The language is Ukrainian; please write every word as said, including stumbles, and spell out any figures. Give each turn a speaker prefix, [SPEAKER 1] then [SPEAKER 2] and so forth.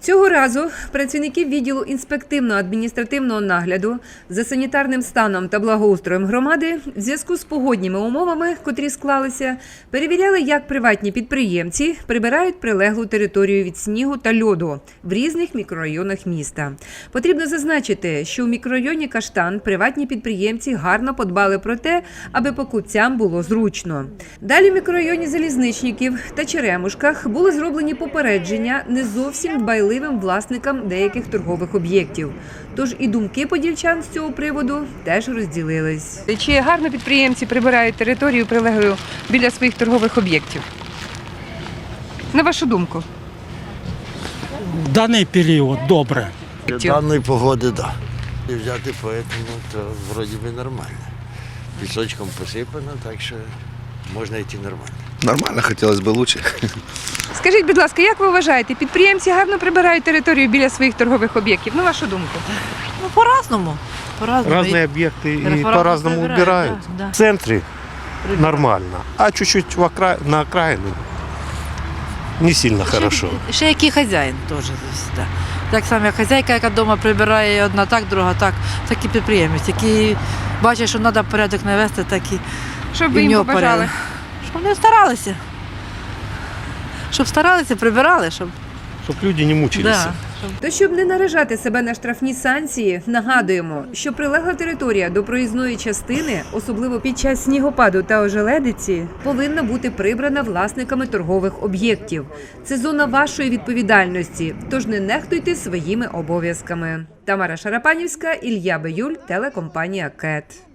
[SPEAKER 1] Цього разу працівники відділу інспективно-адміністративного нагляду за санітарним станом та благоустроєм громади в зв'язку з погодніми умовами, котрі склалися, перевіряли, як приватні підприємці прибирають прилеглу територію від снігу та льоду в різних мікрорайонах міста. Потрібно зазначити, що у мікрорайоні Каштан приватні підприємці гарно подбали про те, аби покупцям було зручно. Далі в мікрорайоні Залізничників та Черемушках були зроблені попередження не зовсім дбайливим власникам деяких торгових об'єктів. Тож і думки подільчан з цього приводу теж розділились. Чи гарно підприємці прибирають територію прилеглу біля своїх торгових об'єктів? На вашу думку?
[SPEAKER 2] В даний період добре.
[SPEAKER 3] Даної погоди, так. Да. І взяти поэтому, то вроді би нормально. Пісочком посипано, так що можна йти нормально.
[SPEAKER 4] Нормально, хотілося б краще.
[SPEAKER 1] Скажіть, будь ласка, як ви вважаєте, підприємці гарно прибирають територію біля своїх торгових об'єктів? На вашу думку?
[SPEAKER 5] Ну, по-разному. По-разному.
[SPEAKER 6] Разные объекты и
[SPEAKER 5] По-разному
[SPEAKER 6] по-разному
[SPEAKER 5] прибирают,
[SPEAKER 6] убирают.
[SPEAKER 5] да, да.
[SPEAKER 6] В центре нормально, а чуть-чуть в окра... на окраину не сильно хорошо.
[SPEAKER 5] Ще який хазяїн теж. Да. Так само, як хазяйка, яка вдома прибирає одна так, друга так, так і підприємець, який бачить, що треба порядок навести, так і
[SPEAKER 1] Що б
[SPEAKER 5] і
[SPEAKER 1] ви
[SPEAKER 5] в
[SPEAKER 1] їм
[SPEAKER 5] нього
[SPEAKER 1] побажали?
[SPEAKER 5] порядок. Щоб вони старалися. Щоб старалися, прибирали, щоб...
[SPEAKER 6] Щоб люди не мучились.
[SPEAKER 5] Да.
[SPEAKER 1] То, щоб не наражати себе на штрафні санкції, нагадуємо, що прилегла територія до проїзної частини, особливо під час снігопаду та ожеледиці, повинна бути прибрана власниками торгових об'єктів. Це зона вашої відповідальності, тож не нехтуйте своїми обов'язками. Тамара Шарапанівська, Ілля Биюль, телекомпанія КЕТ.